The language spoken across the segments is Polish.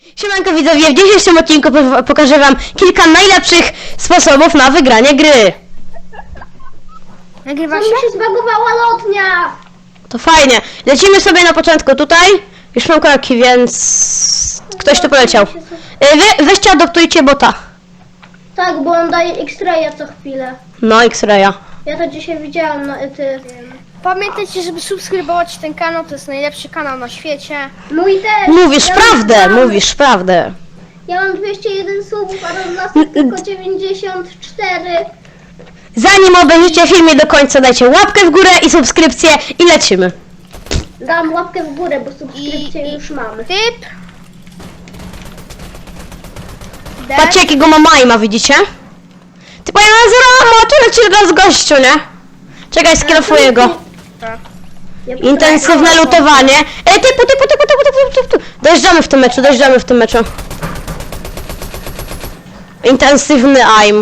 Siemanko widzowie, w dzisiejszym odcinku pokażę wam kilka najlepszych sposobów na wygranie gry. Nagrywa Co się? mi się zbagowała lotnia! To fajnie. Lecimy sobie na początku tutaj. Już mam kroki, więc ktoś tu poleciał. Weźcie, adoptujcie bota. Tak, bo on daje X-raya co chwilę. No, X-raya. Ja to dzisiaj widziałam na Pamiętajcie, żeby subskrybować ten kanał, to jest najlepszy kanał na świecie. Mój też! Mówisz ja prawdę, mówisz prawdę. Ja mam 201 subów, a Rodlasek tylko 94. Zanim obejrzycie filmie do końca, dajcie łapkę w górę i subskrypcję i lecimy. Dam łapkę w górę, bo subskrypcję już mamy. Typ. Patrzcie jakiego ma majma, widzicie? Ty powiem na zero, a tu leci teraz gościu, nie? Czekaj, sklefuję go. Ja Intensywne lutowanie. Typu. Dojeżdżamy w tym meczu. Intensywny aim.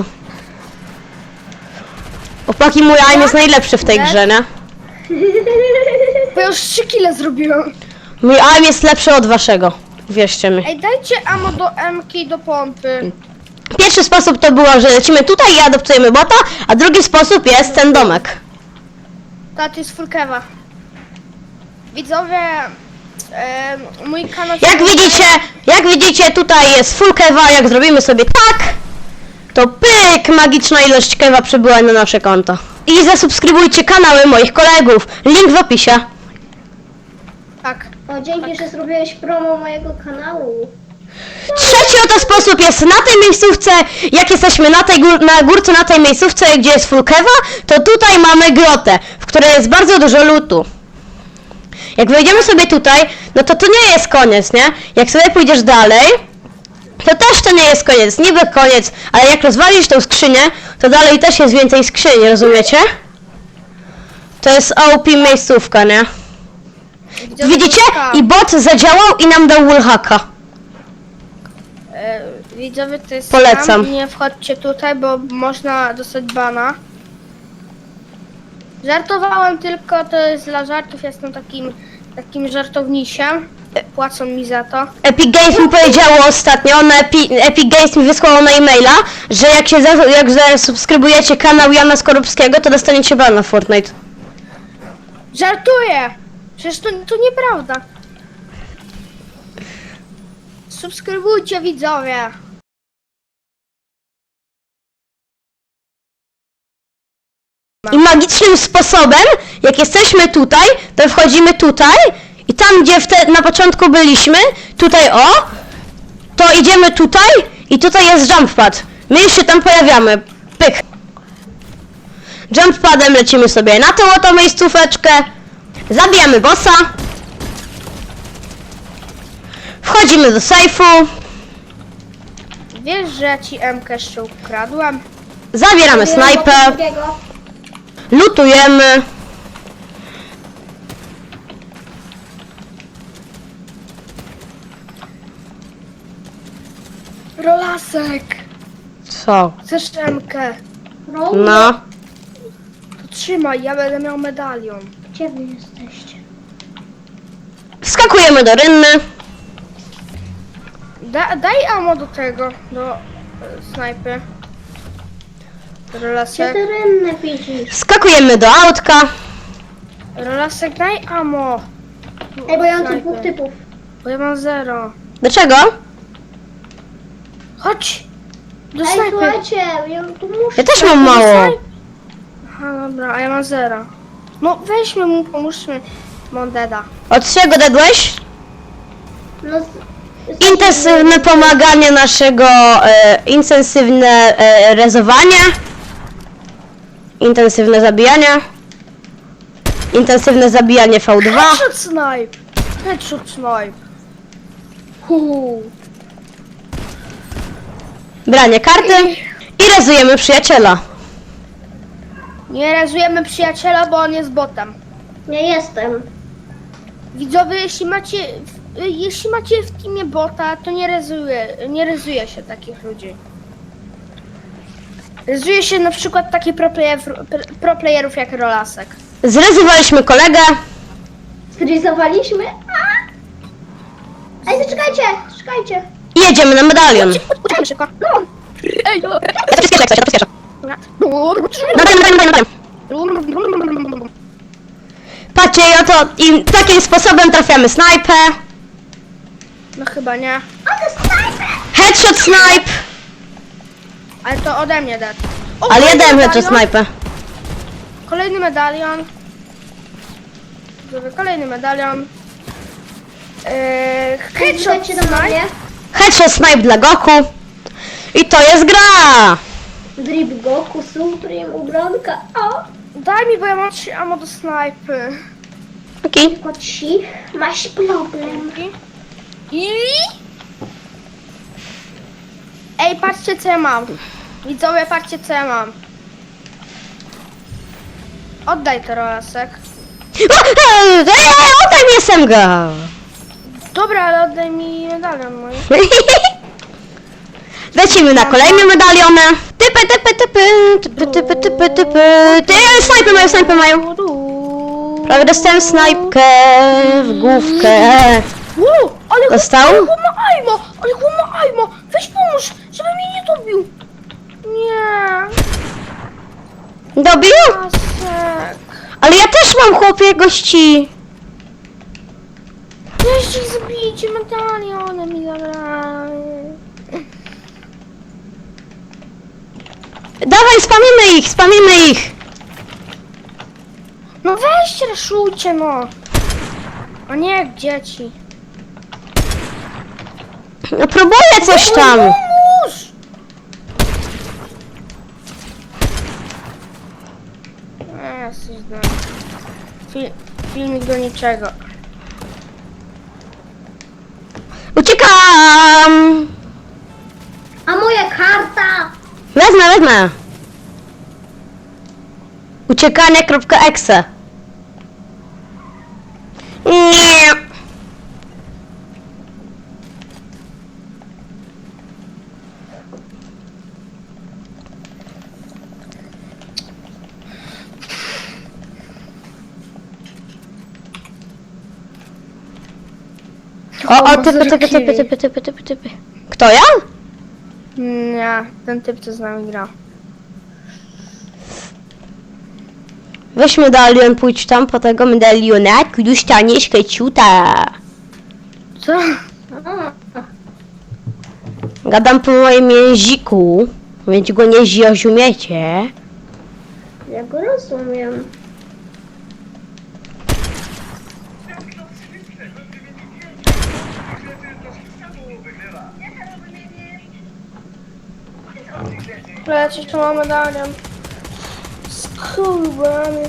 Opaki, mój aim jest najlepszy w tej grze, nie? Bo ja już 3 kile zrobiłem. Mój aim jest lepszy od waszego. Wierzcie mi. Ej, dajcie ammo do MK i do pompy. Pierwszy sposób to było, że lecimy tutaj i adoptujemy bota, a drugi sposób jest ten domek. Ta, to jest full kewa. Widzowie, mój kanał... Jak widzicie, tutaj jest full kewa, jak zrobimy sobie tak, to pyk, magiczna ilość kewa przybyła na nasze konto. I zasubskrybujcie kanały moich kolegów, link w opisie. Tak. O, dzięki, że zrobiłeś promo mojego kanału. Trzeci oto sposób jest na tej miejscówce, jak jesteśmy na tej na górce, na tej miejscówce, gdzie jest full kewa, to tutaj mamy grotę, w której jest bardzo dużo lootu. Jak wejdziemy sobie tutaj, no to nie jest koniec, nie? Jak sobie pójdziesz dalej, to też to nie jest koniec, niby koniec, ale jak rozwalisz tą skrzynię, to dalej też jest więcej skrzyni, rozumiecie? To jest OP miejscówka, nie? Widzowie, Widzicie? to jest I bot zadziałał i nam dał wallhacka. Widzowie, to jest Polecam. scam. Nie wchodźcie tutaj, bo można dostać bana. Żartowałem tylko, to jest dla żartów, jestem takim żartownisiem. Płacą mi za to. Epic Games mi powiedziało ostatnio, Epic Games mi wysłało na e-maila, że jak zasubskrybujecie kanał Jana Skorupskiego, to dostaniecie bana w Fortnite. Żartuję! Przecież to nieprawda. Subskrybujcie, widzowie. I magicznym sposobem, jak jesteśmy tutaj, to wchodzimy tutaj i tam, gdzie na początku byliśmy, tutaj to idziemy tutaj i tutaj jest jump pad. My już się tam pojawiamy. Pyk. Jump padem lecimy sobie na tą oto miejscóweczkę, zabijamy bossa, wchodzimy do sejfu, Wiesz, że ja ci MK jeszcze ukradłem? zabieramy snajpę, Drugiego. lutujemy. Rolasek! Co? Chcesz MK? No. To trzymaj, ja będę miał medalion. Gdzie wy jesteście? Wskakujemy do rynny. Daj ammo do tego, do snajpy. Gdzie Rolasek. ty rynne widzisz? Wskakujemy do autka. Rolasek, daj ammo. Ej, bo ja mam tu Snajpy. dwóch typów. Bo ja mam 0. Do czego? Chodź! Do Ej, snajpy. słuchajcie, ja tu muszę. Ja też mam mało. Aha, dobra, a ja mam 0. No weźmy mu, pomóżmy. Mondeda. Od czego dedłeś? No, Intensywne pomaganie naszego, intensywne rezowanie. Intensywne zabijanie. Intensywne zabijanie V2. Headshot snipe! Headshot snipe! Branie karty. I rezujemy przyjaciela. Nie rezujemy przyjaciela, bo on jest botem. Nie jestem. Widzowie, jeśli macie w teamie bota, to nie rezuje się takich ludzi. Rezuje się na przykład takich pro playerów jak Rolasek. Zrezowaliśmy kolegę. Zgryzowaliśmy? A! Ej, zaczekajcie, czekajcie. I jedziemy na medalion. Uciekamy szybko. No. Ej, no. Ja to przyspieszę, jak coś, ja to przyspieszę. Medalion. Patrzcie, oto i takim sposobem trafiamy snajpę. No chyba nie. Headshot snipe. Ale to ode mnie dać. O, Ale ja kolejny dałem headshot medalion. snajpę. Kolejny medalion. Dobra, kolejny medalion. Headshot Headshot do mnie. Headshot snipe dla Goku. I to jest gra. Drip Goku, Supreme, ubranka. O! Daj mi, bo ja mam 3 ammo do snajpy. Okej. Koci, masz problem. I... Ej, patrzcie co ja mam. Widzowie, patrzcie co ja mam. Oddaj to, Rolasek. Oddaj mi SMG. Dobra, ale oddaj mi medalion mój. Lecimy na kolejne medaliony. Typy. Ty, snajpy mają. Prawie dostałem snajpkę w główkę. Ale Dostał? Ale chłop ma aimo! Ale chłop ma aimo! Weź pomóż, żeby mnie nie dobił. Nie. Dobił? Pasek. Ale ja też mam, chłopie, gości. Weźcie ich zabijcie, medaliony mi zabrali. Dawaj, spamimy ich. No weźcie, raszujcie no. A nie jak dzieci. No próbuję coś tam. Pomóż! Jesteś filmik do niczego. Uciekam. A moja karta! Wezmę. Uciekanie.exe. Nie. O, typy. Kto ja? Nie, ten typ co z nami gra. Weź medalion, pójdź tam po tego medaliona, już staniesz keciuta. Co? Gadam po moim języku, więc go nie zrozumiecie. Ja go rozumiem. Lecisz, tu mam medalion. Skurwany.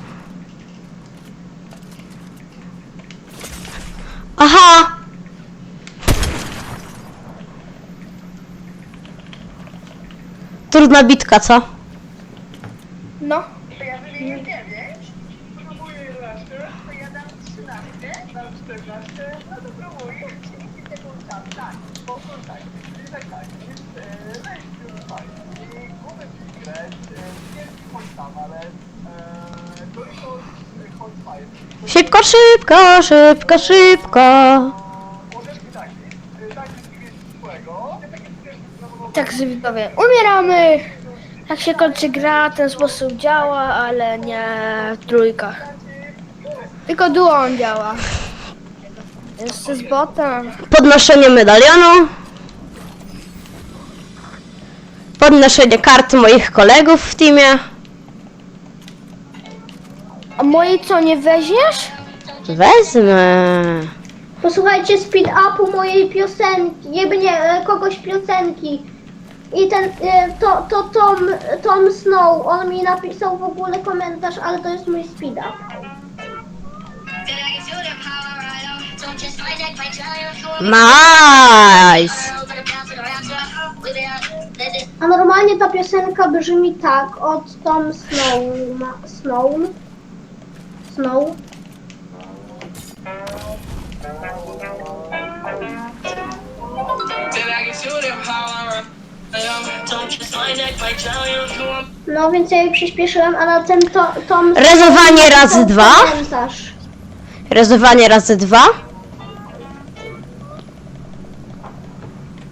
Aha! Trudna bitka, co? No. To ja wymienię 9, próbuję 11, to ja dam 13, dam 14, no to próbuję. I tego tam, tak, spokój, tak, jest weź, fajnie, głowę grać, wielki chodź tam, ale to jest chodź fajnie. Szybko. Możesz mi tak, jest swojego, Tak, widzowie, umieramy! Jak się kończy gra, ten sposób działa, ale nie w trójkach. Tylko duo on działa. Jeszcze z botem. Podnoszenie medalionu. Podnoszenie karty moich kolegów w teamie. A mojej co, nie weźmiesz? Wezmę. Posłuchajcie speed upu mojej piosenki, jakby nie, kogoś piosenki. I ten, Tom Snow, on mi napisał w ogóle komentarz, ale to jest mój speed up. Nice. A normalnie ta piosenka brzmi tak, od Tom Snow. No więc ja jej przyspieszyłem, a na tym Tom Rezowanie razy 2. komentarz. Rezowanie razy 2.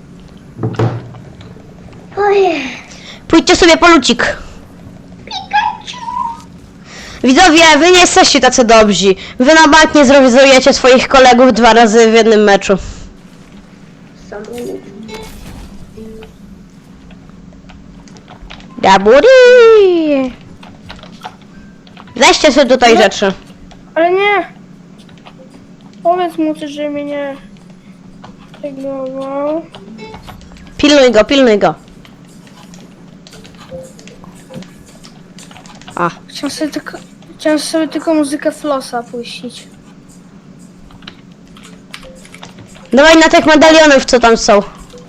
Ojej. Pójdźcie sobie po lucik. Pikachu. Widzowie, wy nie jesteście tacy dobrzy. Wy na bank nie zrewizujecie swoich kolegów 2 razy w jednym meczu. Samolot. Daburi! Weźcie sobie tutaj rzeczy. Ale nie! Powiedz mu coś, że mnie nie ignorował. Pilnuj go. A, Chciałem sobie tylko muzykę Flossa puścić. dawaj na tych medalionów, co tam są.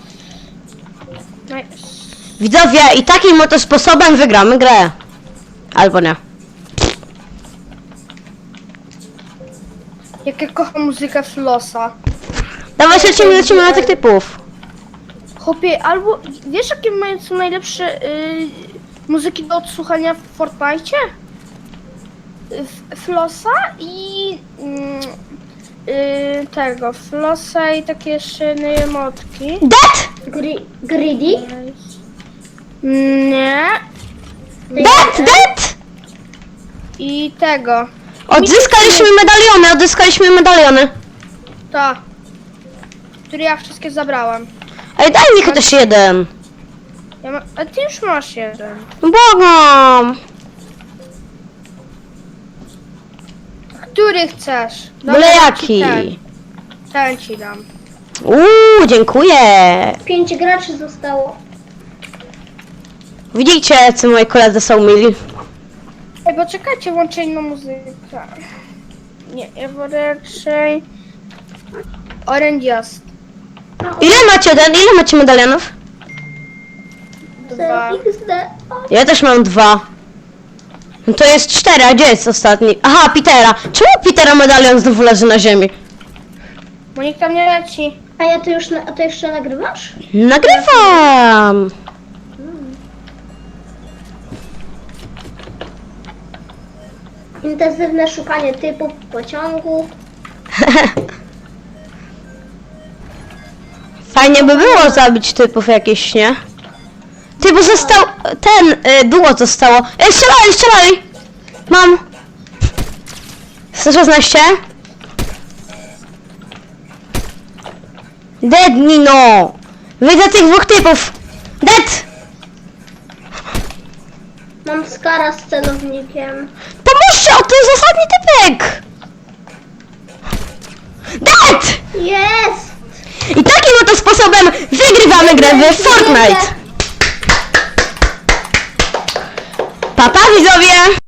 Nice. Widzowie, i takim oto sposobem wygramy grę. Albo nie. Jak ja kocham muzykę Flossa. Dawaj, lecimy na tych typów. Chłopie, albo wiesz jakie są najlepsze muzyki do odsłuchania w Fortnite? Flossa i tego, Flossa i takie jeszcze jedne emotki. Dead! Greedy? Nie. Dead! I tego. Odzyskaliśmy medaliony. To. Które ja wszystkie zabrałem. Ej, daj mi chociaż jeden. A ty już masz jeden. Błagam. Który chcesz? Byle dam jaki. ci ten ci dam. Dziękuję. 5 graczy zostało. Widzicie, co moi koledzy są mili. Ej, bo czekajcie, włączę inną muzykę. Nie, ja wolę raczej... Orange jest. Ile macie medalionów? 2. XD. Ja też mam 2. No to jest 4, a gdzie jest ostatni? Aha, Petera. Czemu Petera medalion znowu leży na ziemi? Bo nikt tam nie leci. A to jeszcze nagrywasz? Nagrywam. Intensywne szukanie typów pociągu. Fajnie by było zabić typów jakieś, nie? Ty, bo został... duo zostało. Strzelali! Mam. 116. Dead, Nino! Widzę tych 2 typów! Dead! Mam skara z celownikiem. Pomóżcie, to jest ostatni typek! Dead! Jest! I takim oto sposobem wygrywamy grę w Fortnite! Pa, pa widzowie!